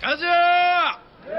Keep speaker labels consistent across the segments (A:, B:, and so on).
A: 가자!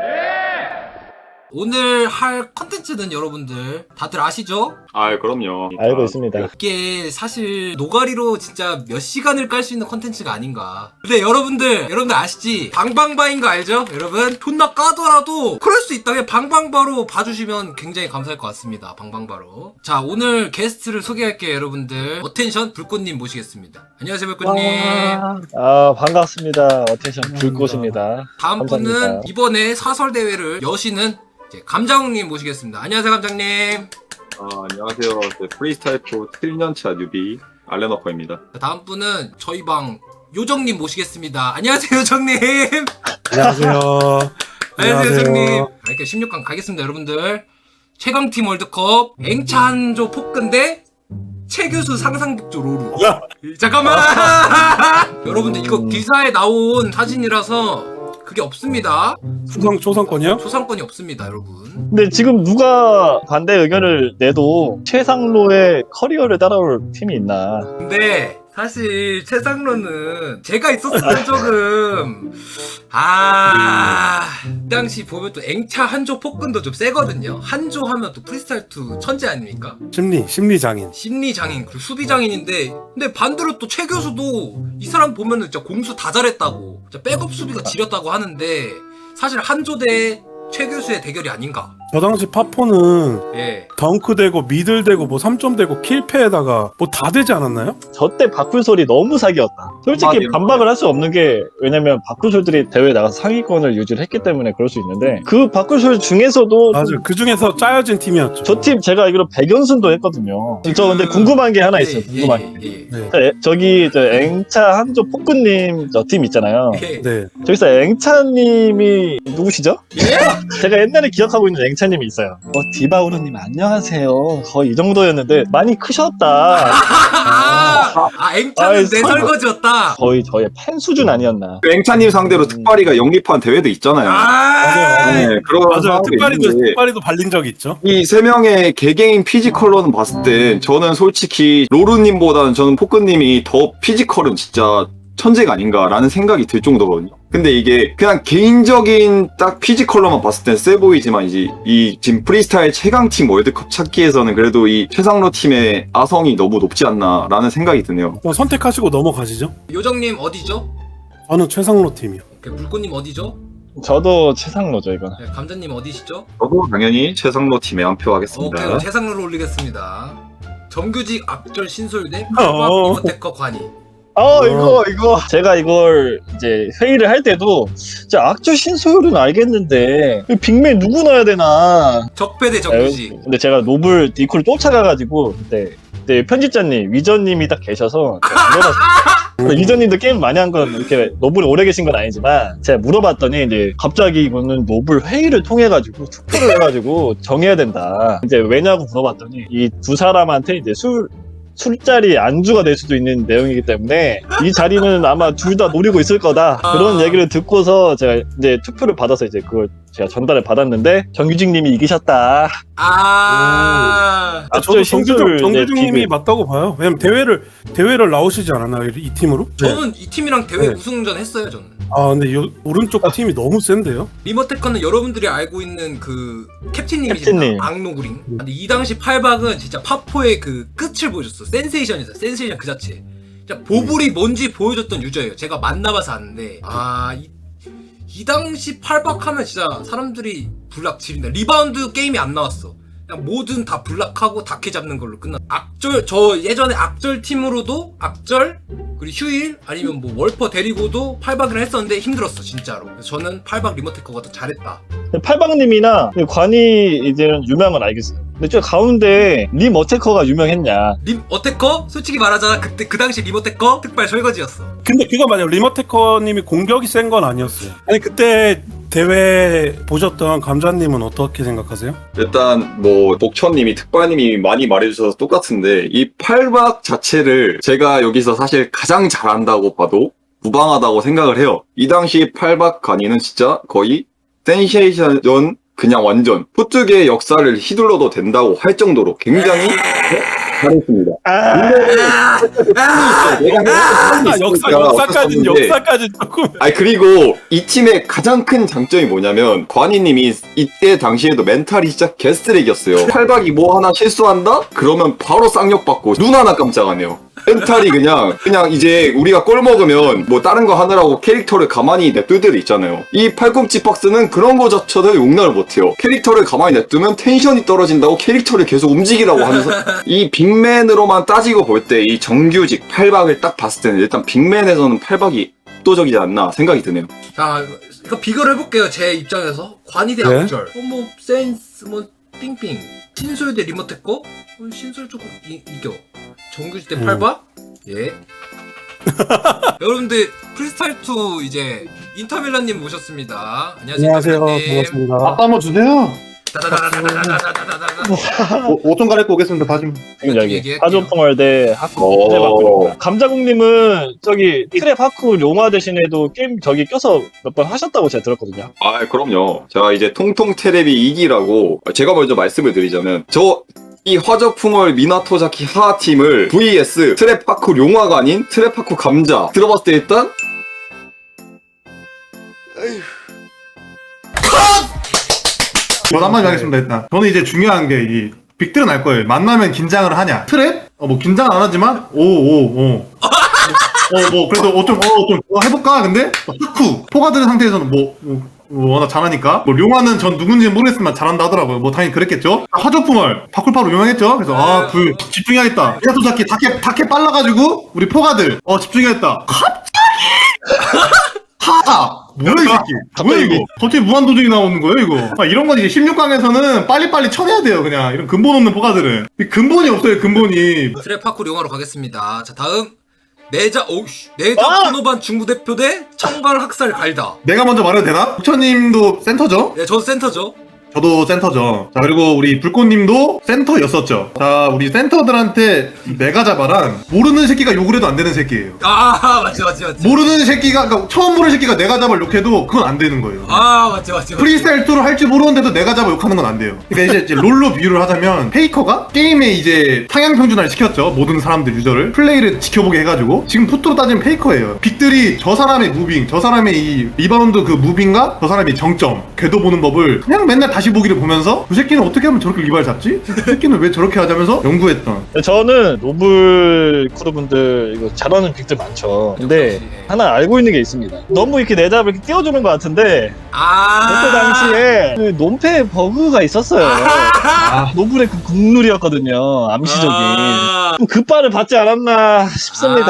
B: 오늘 할 컨텐츠는 여러분들 다들 아시죠?
C: 아, 그럼요.
D: 알고 있습니다.
B: 이게 사실 노가리로 진짜 몇 시간을 깔 수 있는 컨텐츠가 아닌가. 근데 여러분들 아시지? 방방바인 거 알죠? 여러분 존나 까더라도 그럴 수 있다면 방방바로 봐주시면 굉장히 감사할 것 같습니다. 방방바로. 자, 오늘 게스트를 소개할게요. 여러분들 어텐션 불꽃님 모시겠습니다. 안녕하세요, 불꽃님.
D: 반갑습니다. 어텐션 불꽃입니다.
B: 다음
D: 감사합니다.
B: 분은 이번에 사설대회를 여시는 이제 감장님 모시겠습니다. 안녕하세요, 감장님.
C: 안녕하세요. 프리스타일 프로 7년차 뉴비 알렌워커입니다.
B: 자, 다음 분은 저희 방 요정님 모시겠습니다. 안녕하세요, 요정님.
E: 안녕하세요.
B: 안녕하세요, 요정님. 이렇게 16강 가겠습니다, 여러분들. 최강팀 월드컵 앵찬조 폭근대 최교수 상상극조 로루. 잠깐만. 여러분들 이거 기사에 나온 사진이라서 그게 없습니다.
E: 초상권이요?
B: 초상권이 없습니다, 여러분.
D: 근데 지금 누가 반대 의견을 내도 최상로의 커리어를 따라올 팀이 있나?
B: 근데 사실 최상로는 제가 있었으면 조금 그 당시 보면 또 앵차 한조 폭근도 좀 세거든요. 한조 하면 또 프리스타일2 천재 아닙니까?
E: 심리장인.
B: 심리장인 그리고 수비장인인데 근데 반대로 또 최 교수도 이 사람 보면은 진짜 공수 다 잘했다고 진짜 백업 수비가 지렸다고 하는데 사실 한조 대 최 교수의 대결이 아닌가.
E: 저 당시 파포는
B: 예.
E: 덩크 되고 미들 되고 뭐 3점 되고 킬패에다가 뭐 다 되지 않았나요?
D: 저 때 바쿨솔이 너무 사기였다. 솔직히
C: 맞아요.
D: 반박을 할 수 없는 게 왜냐면 바쿨솔들이 대회에 나가서 상위권을 유지를 했기 때문에 그럴 수 있는데 그 바쿨솔 중에서도
E: 맞아요. 그 중에서 짜여진 팀이었죠.
D: 저 팀 제가 알기로 100연승도 했거든요. 저 근데 궁금한 게 하나 있어요. 궁금한 게.
B: 예.
E: 네.
D: 저기 앵차 한조 폭근님 저 팀 있잖아요.
B: 예.
E: 네.
D: 저기서 앵차님이 누구시죠? 제가 옛날에 기억하고 있는 앵차님이 있어요. 디바우르님 안녕하세요. 거의 이 정도였는데 많이 크셨다.
B: 앵차는 내 설거지였다.
D: 거의 저의 팬 수준 아니었나.
C: 앵차님 상대로 특발이가 영입한 대회도 있잖아요.
E: 맞아요.
C: 네, 그런
E: 맞아요.
C: 상황도 있는데
E: 특발이도 발린 적이 있죠.
C: 이 세 명의 개개인 피지컬로는 봤을 때 저는 솔직히 로루님보다는 저는 포크님이 더 피지컬은 진짜 천재가 아닌가라는 생각이 들 정도거든요. 근데 이게 그냥 개인적인 딱 피지컬로만 봤을 땐 세 보이지만 이제 이 지금 프리스타일 최강팀 월드컵 찾기에서는 그래도 이 최상로 팀의 아성이 너무 높지 않나라는 생각이 드네요.
E: 그럼 선택하시고 넘어가시죠.
B: 요정님 어디죠?
E: 저는 최상로 팀이요.
B: 불꽃님 어디죠?
D: 저도 최상로죠 이건.
B: 네, 감자님 어디시죠?
C: 저도 당연히 최상로 팀에 한 표 하겠습니다.
B: 오케이, 그럼 최상로로 올리겠습니다. 정규직 악절 신솔대
E: 어.
B: 이모테커 관이.
D: 이거 제가 이걸 이제 회의를 할 때도 진짜 악조 신소율은 알겠는데 이 빅맨 누구 넣어야 되나.
B: 적배 대 정규직.
D: 근데 제가 노블 디코를 쫓아가가지고 그때 편집자님 위전님이 딱 계셔서 제가 물어봤어요. 위전님도 게임 많이 한 건 이렇게 노블에 오래 계신 건 아니지만 제가 물어봤더니 이제 갑자기 이거는 노블 회의를 통해가지고 투표를 해가지고 정해야 된다. 이제 왜냐고 물어봤더니 이 두 사람한테 이제 술자리 안주가 될 수도 있는 내용이기 때문에 이 자리는 아마 둘 다 노리고 있을 거다. 그런 얘기를 듣고서 제가 이제 투표를 받아서 이제 그걸 제가 전달을 받았는데 정규직님이 이기셨다.
E: 저도 정규중님이
D: 비밀.
E: 맞다고 봐요. 왜냐면 대회를 나오시지 않았나요? 이 팀으로?
B: 저는 이 팀이랑 대회
E: 네.
B: 우승전 했어요, 저는.
E: 근데 오른쪽 팀이 너무 센데요?
B: 리모테커는 여러분들이 알고 있는 그
D: 캡틴님.
B: 캡틴님이시죠. 악노구링. 근데 이 당시 팔박은 진짜 파포의 그 끝을 보여줬어. 센세이션이었어. 센세이션 그 자체. 진짜 보불이 뭔지 보여줬던 유저예요. 제가 만나봐서 아는데 이 당시 팔박하면 진짜 사람들이 블락 지린다. 리바운드 게임이 안 나왔어. 그냥 뭐든 다 블락하고 다케 잡는 걸로 끝나. 악절, 저 예전에 악절 팀으로도 악절 그리고 휴일 아니면 뭐 월퍼 데리고도 팔박을 했었는데 힘들었어 진짜로. 그래서 저는 팔박 리모테커가 더 잘했다.
D: 팔방님이나 관이 이제는 유명한 알겠어요. 근데 저 가운데 림 어테커가 유명했냐?
B: 림 어테커? 솔직히 말하자면 그때 그 당시 리모테커 특발 설거지였어.
E: 근데 그거 맞아요. 리모테커님이 공격이 센 건 아니었어요. 아니 그때 대회 보셨던 감자님은 어떻게 생각하세요?
C: 일단 뭐 복천님이 특발님이 많이 말해주셔서 똑같은데 이 팔박 자체를 제가 여기서 사실 가장 잘한다고 봐도 무방하다고 생각을 해요. 이 당시 팔박 간이는 진짜 거의 센세이션 그냥 완전 포트계의 역사를 휘둘러도 된다고 할 정도로 굉장히 잘했습니다.
E: 역사까지 조금.
C: 아니 그리고 이 팀의 가장 큰 장점이 뭐냐면 관이님이 이때 당시에도 멘탈이 진짜 개쓰레기였어요. 팔박이 뭐 하나 실수한다? 그러면 바로 쌍욕 받고 눈 하나 깜짝 안 해요. 멘탈이 그냥 이제 우리가 꼴 먹으면 뭐 다른 거 하느라고 캐릭터를 가만히 냅둘 때도 있잖아요. 이 팔꿈치 박스는 그런 거조차도 용납을 못해요. 캐릭터를 가만히 냅두면 텐션이 떨어진다고 캐릭터를 계속 움직이라고 하면서 이 빅맨으로만 따지고 볼 때 이 정규직 팔박을 딱 봤을 때는 일단 빅맨에서는 팔박이 압도적이지 않나 생각이 드네요.
B: 자, 이거 비교를 해볼게요. 제 입장에서 관이 대
E: 네?
B: 악절. 뭐 센스, 뭐 삥삥. 신솔 대 리모테커? 신솔 조금 이겨. 정규직 대 팔박? 예. 여러분들 프리스타일2 이제 인터밀란님 모셨습니다. 안녕하세요.
E: 반갑습니다.
A: 아빠 한번 주세요.
B: 따다다다다다다다다다.
A: 옷 좀 갈아입고 오겠습니다. 다 좀.
D: 지금 여기
B: 얘기할게요.
D: 하조풍월 대 하쿠 트랩 감자국님은 저기 트랩 하쿠 용화 대신에도 게임 저기 껴서 몇 번 하셨다고 제가 들었거든요.
C: 아 그럼요. 제가 이제 통통 테레비 2기라고 제가 먼저 말씀을 드리자면 이 화저풍월 미나토자키 하하 팀을 vs 트랩파쿠 용화가 아닌 트랩파쿠 감자 들어봤을 때 일단
A: 저도 한마디 하겠습니다. 일단 저는 이제 중요한 게 이 빅들은 알 거예요. 만나면 긴장을 하냐? 트랩? 뭐 긴장 안 하지만 뭐 그래도 좀 해볼까? 근데 하쿠 포가드의 상태에서는 워낙 잘하니까 뭐 룡화는 전 누군지는 모르겠지만 잘한다 하더라고요. 뭐 당연히 그랬겠죠. 화조풍월 바쿨파로 유명했죠. 그래서 집중해야겠다. 미나토자키 다케 빨라가지고 우리 포가들 집중해야겠다. 갑자기 뭐야 이 새끼? 뭐야 이거? 갑자기 무한도전이 나오는 거예요 이거? 이런 건 이제 16강에서는 빨리빨리 쳐내야 돼요. 그냥 이런 근본 없는 포가들은 근본이 없어요. 근본이.
B: 트랩파쿠 용화로 가겠습니다. 자, 다음 내자 코노반 중부 대표 대 청발 학살 갈다.
A: 내가 먼저 말해도 되나? 부처님도 센터죠?
B: 네, 저도 센터죠.
A: 저도 센터죠. 자, 그리고 우리 불꽃님도 센터였었죠. 자, 우리 센터들한테 메가자바란 모르는 새끼가 욕을 해도 안 되는 새끼예요.
B: 아, 맞지.
A: 모르는 새끼가, 그러니까 처음 보는 새끼가 메가자바를 욕해도 그건 안 되는 거예요.
B: 아, 맞지.
A: 프리스타일 2를 할 줄 모르는데도 메가자바 욕하는 건 안 돼요. 그러니까 이제 롤로 비유를 하자면 페이커가 게임에 이제 상향 평준화를 시켰죠. 모든 사람들 유저를 플레이를 지켜보게 해가지고 지금 푸트로 따지면 페이커예요. 빅들이 저 사람의 무빙, 저 사람의 이 리바운드 그 무빙과 저 사람의 정점, 궤도 보는 법을 그냥 맨날 다시 보기를 보면서 그 새끼는 어떻게 하면 저렇게 리발 잡지? 그 새끼는 왜 저렇게 하자면서 연구했던.
D: 저는 노블 크루분들 이거 잘하는 빅들 많죠. 근데 하나 알고 있는 게 있습니다. 너무 이렇게 내 잡을 이렇게 띄워주는 것 같은데 그때 당시에 그 논패 버그가 있었어요. 노블의 그 국룰이었거든요. 암시적인. 좀 급발을 받지 않았나 싶습니다.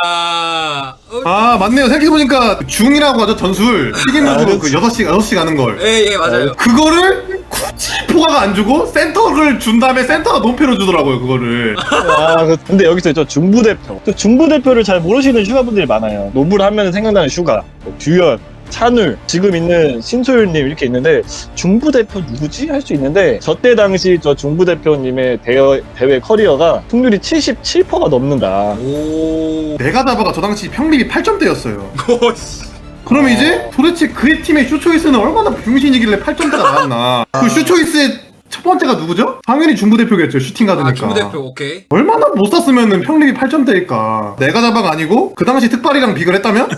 A: 맞네요. 생각해보니까 중이라고 하죠. 전술 튀김으로 그 6시 가는 걸.
B: 예, 맞아요.
A: 그거를 굳이 포가가 안 주고 센터를 준 다음에 센터가 논패로 주더라고요. 그거를.
D: 근데 여기서 저 중부대표. 또 중부대표를 잘 모르시는 슈가분들이 많아요. 노블 하면 생각나는 슈가, 뭐 듀연, 찬울, 지금 있는 신소율님 이렇게 있는데 중부대표 누구지? 할 수 있는데 저때 당시 저 중부대표님의 대회 커리어가 승률이 77%가 넘는다.
A: 메가자바가 저 당시 평립이 8점대였어요. 그럼 이제 도대체 그의 팀의 슈초이스는 얼마나 병신이길래 8점대가 나왔나. 그 슈초이스의 첫 번째가 누구죠? 당연히 중부대표겠죠. 슈팅 가드니까.
B: 중부대표, 오케이.
A: 얼마나 못 쐈으면 평립이 8점대일까. 메가자바가 아니고 그 당시 특발이랑 비교를 했다면?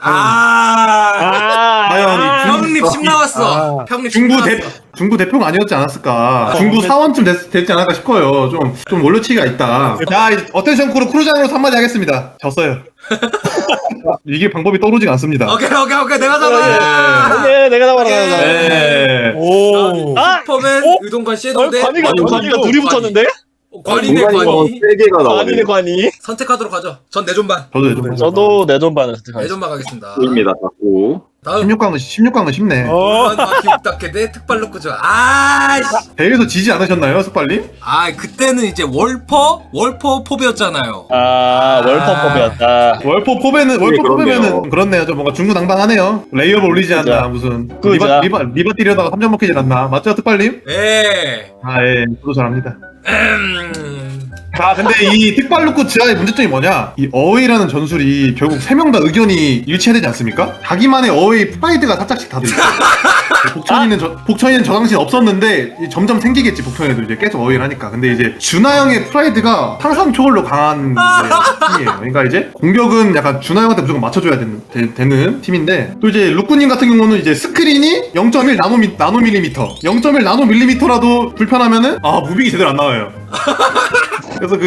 B: 평립 10 나왔어. 평립 10 나왔어.
A: 중부 대표가 아니었지 않았을까. 중부 사원쯤 됐지 않을까 싶어요. 좀 올려치기가 있다. 자, 어텐션 크루 크루장으로 한마디 하겠습니다. 졌어요. 이게 방법이 떠오르지 않습니다.
B: 오케이. 내가 잡아.
D: 네, 내가 잡아라.
A: 네.
B: 슈퍼맨, 의동관 섀도우 대
D: 관이가 둘이 붙었는데?
B: 관이네,
C: 공간이
B: 관이.
C: 3개가 나오네요.
D: 관이네, 관이.
B: 선택하도록 하죠. 전 내존반.
D: 저도 내전반을 선택하겠습니다.
B: 내존반 가겠습니다.
C: 입니다. 자꾸.
B: 다음
A: 16강은 쉽네.
B: 마키 욱다케 대 특발로 끄죠.
A: 대회에서 지지 않으셨나요, 스팔님?
B: 그때는 이제 월퍼 포배였잖아요.
D: 월퍼법이었다.
A: 월포 포배면은 그렇네요. 좀 뭔가 중구난방하네요. 레이업 올리지 않나 무슨 리바 뛰려다가 3점 먹히질 않나. 맞죠, 특발님?
B: 예.
A: 예, 저도 잘합니다. 아 근데 이 특발루크 지하의 문제점이 뭐냐? 이 어웨이라는 전술이 결국 3명 다 의견이 일치해야 되지 않습니까? 자기만의 어웨이 프라이드가 살짝씩 다들 있어요. 복천이는 저 당시엔 없었는데 점점 생기겠지. 복천에도 이제 계속 어웨이를 하니까. 근데 이제 준하 형의 프라이드가 상상 초월로 강한 팀이에요. 그러니까 이제 공격은 약간 준하 형한테 무조건 맞춰줘야 되는 팀인데, 또 이제 루꾸님 같은 경우는 이제 스크린이 0.1 나노밀리미터 0.1 나노밀리미터라도 불편하면은 무빙이 제대로 안 나와요. 그래서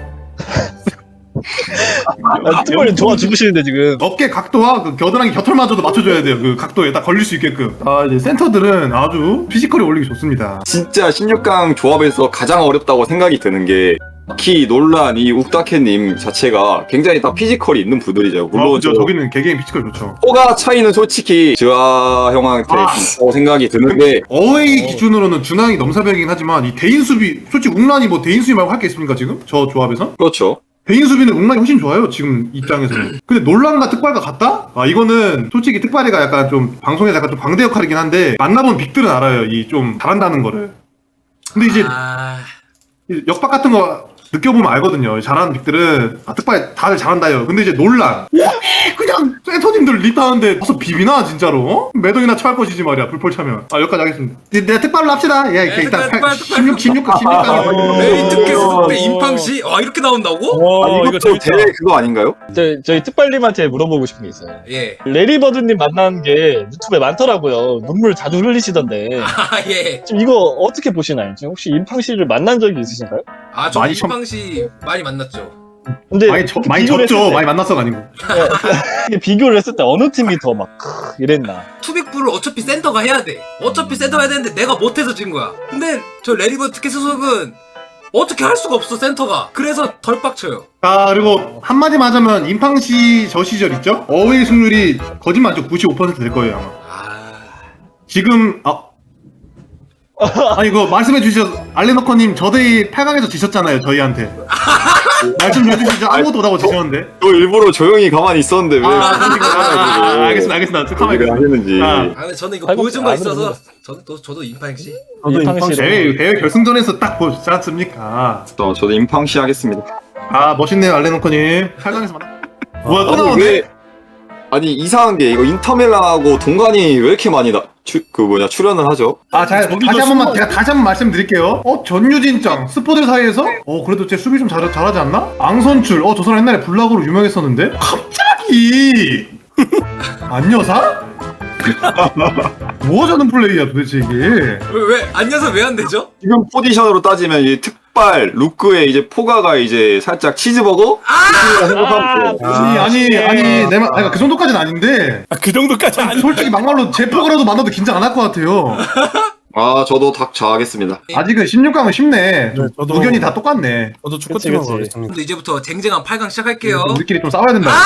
D: 특별히 좋아 죽으시는데 지금.
A: 어깨 각도와 그 겨드랑이 곁털마저도 맞춰줘야 돼요. 그 각도에 딱 걸릴 수 있게끔. 이제 센터들은 아주 피지컬이 올리기 좋습니다.
C: 진짜 16강 조합에서 가장 어렵다고 생각이 드는 게 특히 논란 이 욱다케님 자체가 굉장히 다 피지컬이 있는 분들이죠. 물론
A: 저기는 개개인 피지컬 좋죠.
C: 호가 차이는 솔직히 주하 형한테 있다고 생각이 드는데
A: 어웨이 기준으로는 준하형이 넘사벽이긴 하지만 이 대인 수비, 솔직히 웅란이 뭐 대인 수비 말고 할 게 있습니까 지금? 저 조합에서?
C: 그렇죠.
A: 대인 수비는 웅란이 훨씬 좋아요 지금 입장에서는. 근데 논란과 특발과 같다? 이거는 솔직히 특발이가 약간 좀 방송에서 약간 좀 광대 역할이긴 한데 만나본 빅들은 알아요. 이 좀 잘한다는 거를. 근데 이제 역박 같은 거 느껴보면 알거든요. 잘하는 빅들은 특발 다들 잘한다요. 근데 이제 논란 그냥 센터님들 립하는데 가서 비비나 진짜로? 매동이나 처할 것이지 말이야. 불폴 차면. 여기까지 하겠습니다. 내가 특발로 합시다. 예, 일단 16강
B: 메리트께스 속대 임팡시? 이렇게 나온다고?
D: 와,
C: 이것도 대회 그거 아닌가요?
D: 저희 특발님한테 물어보고 싶은 게 있어요.
B: 예.
D: 레리버드님 만나는 게 유튜브에 많더라고요. 눈물 자주 흘리시던데.
B: 예.
D: 지금 이거 어떻게 보시나요? 지금 혹시 임팡씨를 만난 적이 있으신가요?
B: 저
A: 많이
B: 임팡시 많이 만났죠.
D: 근데
A: 많이
D: 비교를
A: 졌죠.
D: 했을 때,
A: 많이 만났어가 아니고.
D: 비교를 했을 때 어느 팀이 더 막 이랬나?
B: 투빅풀을 어차피 센터가 해야 돼. 어차피 센터가 해야 되는데 내가 못해서 진 거야. 근데 저 레리버 특히 소속은 어떻게 할 수가 없어 센터가. 그래서 덜 빡쳐요.
A: 그리고 한마디만 하자면 임팡시 저 시절 있죠? 어웨이 승률이 거짓말죠. 95%될 거예요 아마. 지금 아니 그거 말씀해 주셔서 알레너커님 저희 8강에서 지셨잖아요 저희한테. 말씀 좀 해주시죠. 아무것도 못하고 지셨는데.
C: 저 일부러 조용히 가만히 있었는데 왜
A: 알겠습니다.
C: 왜 하시는지.
B: 근데 저는 이거
D: 아이고,
B: 보여준 거
D: 안
B: 있어서 저도 임팡시.
E: 저도
D: 임팡시로.
A: 대회 결승전에서 딱 보셨지 않습니까?
C: 저도 임팡시 하겠습니다.
A: 멋있네요 알레너커님. 8강에서 만나. 뭐야 또
C: 아니,
A: 나오네?
C: 아니 이상한 게 이거 인터밀란하고 동관이 왜 이렇게 많이 출연을 하죠?
A: 다시 한번 말씀드릴게요. 전유진짱 스포들 사이에서 그래도 제 수비 좀 잘하지 않나? 앙선출 저 사람 옛날에 블락으로 유명했었는데 갑자기 안여사? 뭐 하자는 플레이야 도대체 이게.
B: 왜 안녕서 왜 안 되죠?
C: 지금 포지션으로 따지면 이 특발 루크에 이제 포가가 이제 살짝 치즈버거?
A: 아니 내가 그 정도까지는 아닌데
E: 그 정도까지 아니.
A: 솔직히 막말로 제 포가라도 만나도 긴장 안 할 것 같아요.
C: 저도 닭 좌하겠습니다.
A: 아직은 16강은 쉽네. 좀
E: 저도-
A: 의견이 다 똑같네.
E: 저도 축구팀으로
D: 그치.
E: 가겠습니다.
B: 근데 이제부터 쟁쟁한 8강 시작할게요.
A: 우리끼리 좀 싸워야 된다.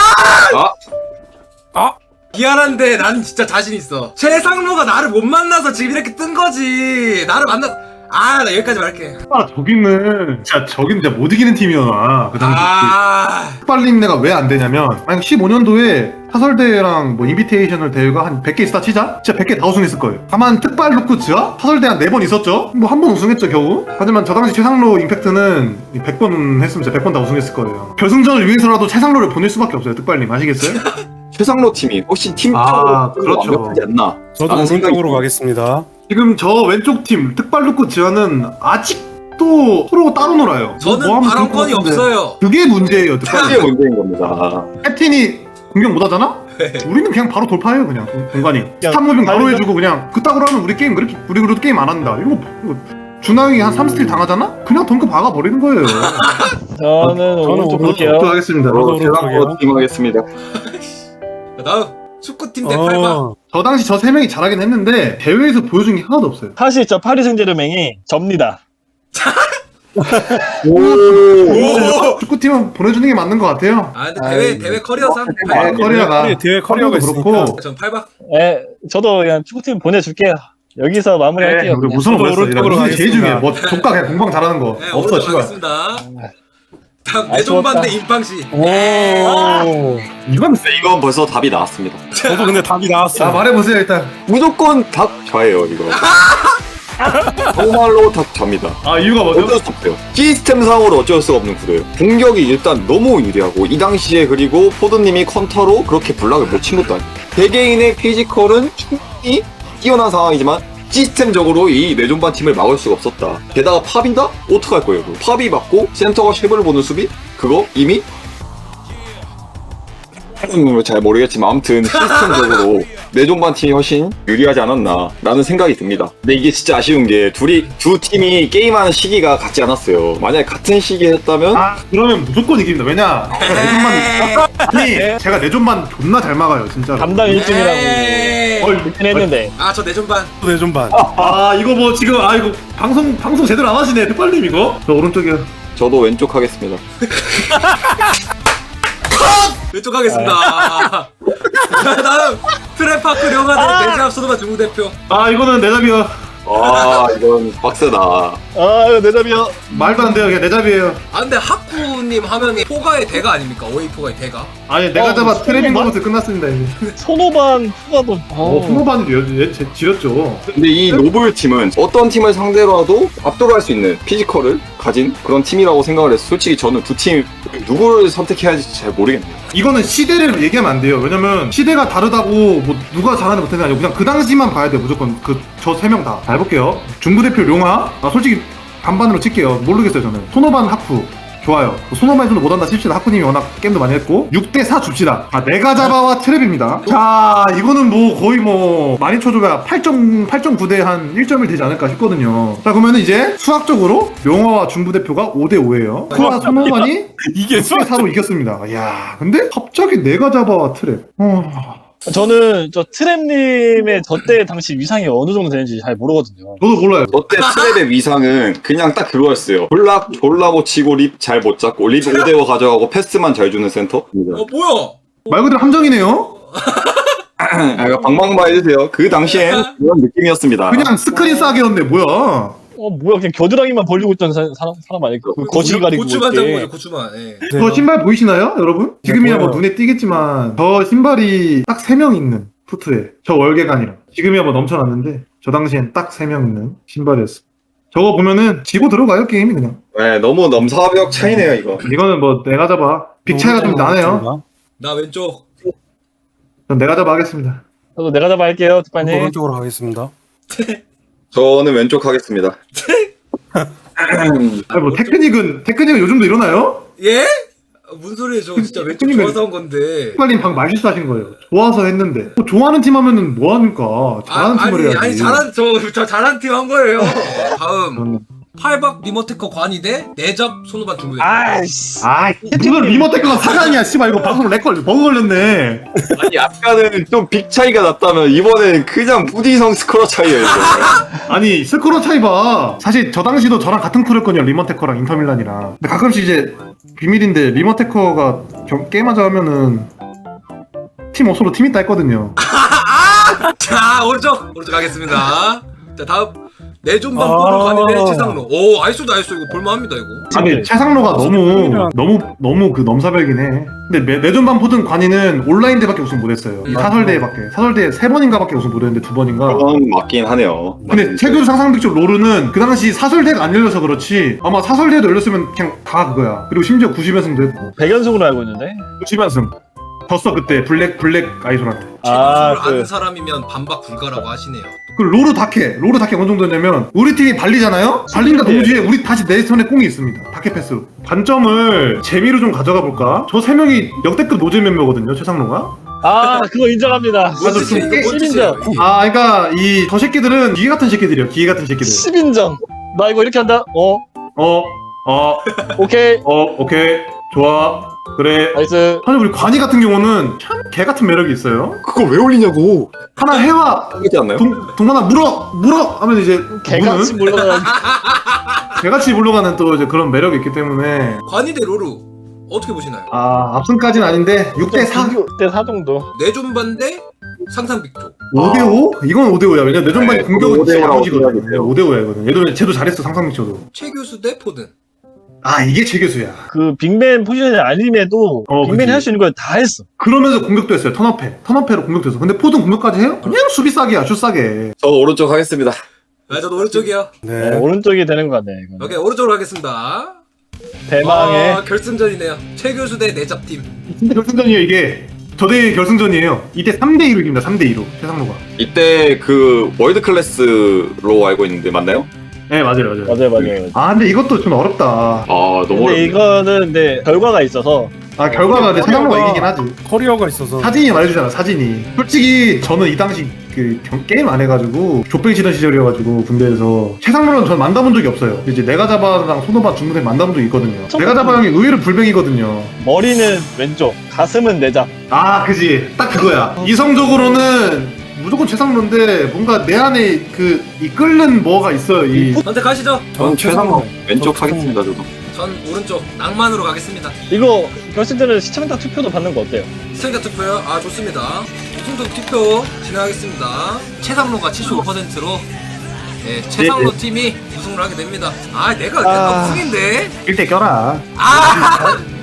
B: 미안한데 난 진짜 자신 있어. 최상로가 나를 못 만나서 지금 이렇게 뜬 거지. 나를 나 여기까지 말할게.
A: 저기는 진짜 못 이기는 팀이었나 그 당시. 특발님 내가 왜 안 되냐면 만약 15년도에 사설대회랑 뭐 인비테이셔널 대회가 한 100개 있다 치자? 진짜 100개 다 우승했을 거예요. 다만 특발 루크츠와 사설대 한 4번 있었죠? 뭐 한 번 우승했죠 겨우. 하지만 저 당시 최상로 임팩트는 100번 했으면 진짜 100번 다 우승했을 거예요. 결승전을 위해서라도 최상로를 보낼 수밖에 없어요 특발님. 아시겠어요?
C: 최상로 팀이 훨씬 팀적으로
A: 그렇죠.
C: 완벽하지 않나?
E: 저도
C: 라는 생각이
E: 오른쪽으로 가겠습니다.
A: 지금 저 왼쪽 팀 특발 루크츠와는 아직도 서로 따로 놀아요.
B: 저는
A: 뭐 하면 좋을 것
B: 발언권이
A: 같은데.
B: 없어요.
A: 그게 문제예요 특발.
C: 그게 문제인 겁니다.
A: 캡틴이 공격 못하잖아? 우리는 그냥 바로 돌파해요 그냥 공간이. 스탑 무빙 바로 해주고 그냥 그따구로 하면 우리 게임 그렇게 우리 그래도 게임 안 한다. 이거 준하형이 한 3스틸 당하잖아? 그냥 덩크 박아버리는 거예요.
D: 저는 오른쪽 볼게요.
A: 하겠습니다.
C: 최상로 팀 하겠습니다.
B: 다음 축구팀 대 8강.
A: 저 당시 저 3명이 잘하긴 했는데 대회에서 보여준 게 하나도 없어요.
D: 사실 저 파리 생제르맹이 접니다.
A: 축구팀은 보내주는 게 맞는 것 같아요.
B: 근데 대회 커리어상 8강.
A: 커리어가
E: 대회 커리어가 있으니까.
B: 전 8박.
D: 저도 그냥 축구팀 보내줄게요. 여기서 마무리할게요.
A: 우리
D: 그냥.
A: 무슨
E: 저도
A: 뭐였어?
E: 오른쪽으로
A: 무슨 제일 중요해.
E: 가겠습니다.
A: 뭐 조카 그냥 공방 잘하는 거
B: 네,
A: 없어 씨발.
B: 올라가겠습니다. 다음
D: 아,
B: 내존반 대
D: 좋았다.
B: 임팡시.
C: 이건 벌써 답이 나왔습니다.
E: 저도 근데 답이
A: 자
E: 나왔어요.
A: 말해보세요 일단.
C: 무조건 닭 좌예요 이거. 정말로 다 잡니다.
A: 아 이유가 뭐죠?
C: 어쩔 수 없어요. 시스템상으로 어쩔 수 없는 구도예요. 공격이 일단 너무 유리하고 이 당시에 그리고 포드님이 컨터로 그렇게 블락을 못 친 것도 아니고 개개인의 피지컬은 충분히 뛰어난 상황이지만 시스템적으로 이 내존반 팀을 막을 수가 없었다. 게다가 팝인다? 어떡할 거예요? 팝이 맞고 센터가 쉐브를 보는 수비? 그거 이미 잘 모르겠지만 아무튼 시스템적으로 내존반 팀이 훨씬 유리하지 않았나 라는 생각이 듭니다. 근데 이게 진짜 아쉬운 게 두 팀이 게임하는 시기가 같지 않았어요. 만약에 같은 시기에 했다면
A: 아 그러면 무조건 이깁니다. 왜냐 제가 내존반 아니 제가 내존반 존나 잘 막아요 진짜로.
D: 담당 1등이라고
B: 에이.
D: 그렇긴 했는데.
B: 아, 저 내전반.
E: 내 전반.
A: 아 이거 뭐 지금 아 이거 방송 제대로 안 하시네 특발님 이거. 저 오른쪽이요.
C: 저도 왼쪽 하겠습니다.
B: 왼쪽 하겠습니다. 다음 트랩파크 령하대 내잡 소노바 중국 대표.
A: 아 이거는 내 잡이요.
C: 아 이건 빡세다.
D: 아 이거 내 잡이야.
A: 말도 안 돼요. 그냥 내 잡이에요.
B: 아 근데 하쿠님 하면이 포가의 대가 아닙니까? 오이 포가의 대가.
A: 아니 내가 잡아
D: 무슨
A: 트레빙
D: 말?
A: 거부터 끝났습니다 이제.
D: 손오반 후가도.
A: 후반이 얘 지렸죠.
C: 근데 이 노블 팀은 어떤 팀을 상대로 하도 압도할 수 있는 피지컬을 가진 그런 팀이라고 생각을 해서 솔직히 저는 두 팀 누구를 선택해야 할지 잘 모르겠네요.
A: 이거는 시대를 얘기하면 안 돼요. 왜냐면 시대가 다르다고 뭐 누가 잘하는 못하는 게 아니고 그냥 그 당시만 봐야 돼요. 무조건 그 저 세 명 다. 자, 해볼게요. 중부 대표 룡아. 아 솔직히 반반으로 칠게요. 모르겠어요 저는. 손오반 하쿠. 좋아요. 손오반에서도 못한다 칩시다. 하쿠님이 워낙 게임도 많이 했고 6대4 줍시다. 아 내가 잡아와 트랩입니다. 자 이거는 뭐 거의 뭐 많이 쳐줘야 8.9대 한 1.1 되지 않을까 싶거든요. 자 그러면은 이제 수학적으로 룡아와 중부 대표가 5대5예요. 쿠와 손오반이
E: 이게
A: 6대4로 이겼습니다. 야 근데 갑자기 내가 잡아와 트랩.
D: 저는 저 트랩님의 저때 당시 위상이 어느 정도 되는지 잘 모르거든요.
A: 저도 몰라요.
C: 저때 트랩의 위상은 그냥 딱 그거였어요. 블락 졸라 못 치고 립 잘 못 잡고 립 5대5 가져가고 패스만 잘 주는 센터.
B: 뭐야?
A: 말 그대로 함정이네요.
C: 아, 방방바 해주세요. 그 당시엔 그런 느낌이었습니다.
A: 그냥 스크린 싸게였네 뭐야.
D: 뭐야 그냥 겨드랑이만 벌리고 있던 사람 아닐까? 그 거실 가리고
B: 고추만
D: 이렇게.
B: 잡은 거죠, 고추만. 예.
A: 저 신발 보이시나요 여러분? 지금이야 뭐
E: 보여요.
A: 눈에 띄겠지만 저 신발이 딱 3명 있는 푸트에 저 월계관이랑 지금이야 뭐 넘쳐났는데 저 당시엔 딱 3명 있는 신발이었어. 저거 보면은 지고 들어가요 게임이 그냥.
C: 네, 너무 넘사벽 차이네요 이거.
A: 이거는 뭐 내가 잡아. 빅 차이가 좀 나네요.
B: 나 왼쪽.
A: 전 내가 잡아 하겠습니다.
D: 저도 내가 잡아 할게요, 특파님.
E: 오른쪽으로 가겠습니다.
C: 저는 왼쪽 하겠습니다.
A: 아니 뭐 테크닉은 요즘도 이러나요?
B: 예? 무슨 소리예요? 저 진짜 왼쪽
A: 그러니까-
B: 좋아서 한 건데.
A: 빨리 방금 말실수하신 거예요. 좋아서 했는데 뭐 좋아하는 팀 하면은 뭐 하니까 잘하는 팀을 해야지.
B: 아니 저 잘한 팀 한 거예요. 다음
A: 저는-
B: 팔박 리모테커 관이대 내잡 손오반 중국 대표.
D: 아이씨.
A: 아, 무슨 리모테크가 사장이야, 씨발 이거 방송 버그 걸렸네.
C: 아니 아까는 좀 빅 차이가 났다면 이번엔 그냥 무디성 스코어 차이예요 이거.
A: 아니 스코어 차이 봐. 사실 저 당시도 저랑 같은 크루였거든요, 리모테커랑 인터밀란이랑. 근데 가끔씩 이제 비밀인데 리모테커가 게임하자 하면은 팀 옷으로 팀 있다 했거든요.
B: 자 오른쪽 가겠습니다. 자 다음 내존반
E: 아.
B: 볼을 관이대 최상로. 오 아이소도 이거 볼만합니다 이거.
A: 아니 최상로가 너무 그 넘사벽이네. 근데 내전반 포든 관이는 온라인 대밖에 우승 못했어요. 이 사설대회밖에. 사설대회 3번인가밖에 우승 못했는데 2번인가.
C: 그건 맞긴 하네요.
A: 근데 최근 상상빅적 롤은 그 당시 사설대회가 안 열려서 그렇지 아마 사설대회도 열렸으면 그냥 다 그거야. 그리고 심지어 90연승도 했고
D: 100연승으로 알고 있는데.
A: 90연승 졌어 그때 블랙 아이솔한테.
B: 제도수를 아는 사람이면 반박 불가라고 하시네요.
A: 그 로르 다케 어느 정도냐면 우리 팀이 발리잖아요? 발린다 동시에 우리 다시 내 손에 공이 있습니다. 다케 패스. 관점을 재미로 좀 가져가 볼까? 저 3명이 역대급 노잼 멤버거든요, 최상로가.
D: 아 그거 인정합니다.
B: 뭔
A: 좀
B: 뜻이에요?
A: 깨-
B: 이거 뭔 뜻이에요?
A: 아, 그러니까 저 새끼들은 기계 같은 새끼들이요. 기계 같은 새끼들.
D: 10인정. 나 이거 이렇게 한다. 오케이.
A: 오케이. 좋아. 그래.
D: 나이스.
A: 사실 우리 관이 같은 경우는 참 개 같은 매력이 있어요.
C: 그거 왜 올리냐고.
A: 하나 해와.
C: 하지 않나요?
A: 동만아 물어 하면 이제
D: 개같이
A: 무는
D: 물러가는.
A: 개같이 물러가는 또 이제 그런 매력이 있기 때문에
B: 관이대 로루 어떻게 보시나요?
A: 압승까지는 아닌데 6대4
D: 6대4 정도.
B: 내존반 대 상상빅 쪽.
A: 5대5? 이건 5대5야. 왜냐면 내전반이
C: 네,
A: 공격은
C: 5대5 라고
A: 야무지거든.
C: 생각해요.
A: 5대5야 이거는. 얘도 쟤도 잘했어 상상미쳐도.
B: 최 교수 대 포든.
A: 이게 최 교수야.
D: 그 빅맨 포지션이 아님에도 빅맨이
A: 그치.
D: 할 수 있는 걸 다 했어.
A: 그러면서 공격도 했어요. 턴업해로 공격도 했어. 근데 포든 공격까지 해요? 그냥 수비 싸게야. 슛 싸게.
C: 저 오른쪽 하겠습니다.
B: 아, 저도 오른쪽이요.
E: 네.
D: 오른쪽이 되는 거 같네. 이거는.
B: 오케이, 오른쪽으로 가겠습니다.
D: 대망의
B: 결승전이네요. 최교수 대 내잡팀.
A: 진짜 결승전이에요 이게. 저대 결승전이에요. 이때 3대2로 이깁니다. 3대2로 최상로가.
C: 이때 그 월드 클래스로 알고 있는데 맞나요?
A: 네 맞아요 맞아요.
D: 맞아요.
A: 아 근데 이것도 좀 어렵다.
C: 아 너무
D: 근데
C: 어렵네.
D: 이거는 근데 결과가 있어서
A: 아 결과가 근데 최상로가 이기긴 하지.
E: 커리어가 있어서.
A: 사진이 말해주잖아 사진이. 솔직히 저는 이 당시 그 게임 안 해가지고 족뱅 치던 시절이어가지고 군대에서 최상로는 전 만나본 적이 없어요. 이제 내가 잡아랑 손오바 중국에 만나본 적이 있거든요. 내가 잡아 형이 의외로 불뱅이거든요.
D: 머리는 왼쪽, 가슴은 내잡.
A: 아 그지 딱 그거야. 이성적으로는 무조건 최상로인데 뭔가 내 안에 그 이 끓는 뭐가 있어요. 이
B: 선택하시죠.
C: 전 최상로 왼쪽
E: 저
C: 하겠습니다 저도.
B: 전 오른쪽 낭만으로 가겠습니다.
D: 이거 결승전은 시청자 투표도 받는 거 어때요?
B: 시청자 투표요? 아, 좋습니다. 우승도 투표 진행하겠습니다. 최상로가 75%로 최상로 팀이 우승을 하게 됩니다. 아, 내가 우승인데.
A: 1대 껴라.
B: 아,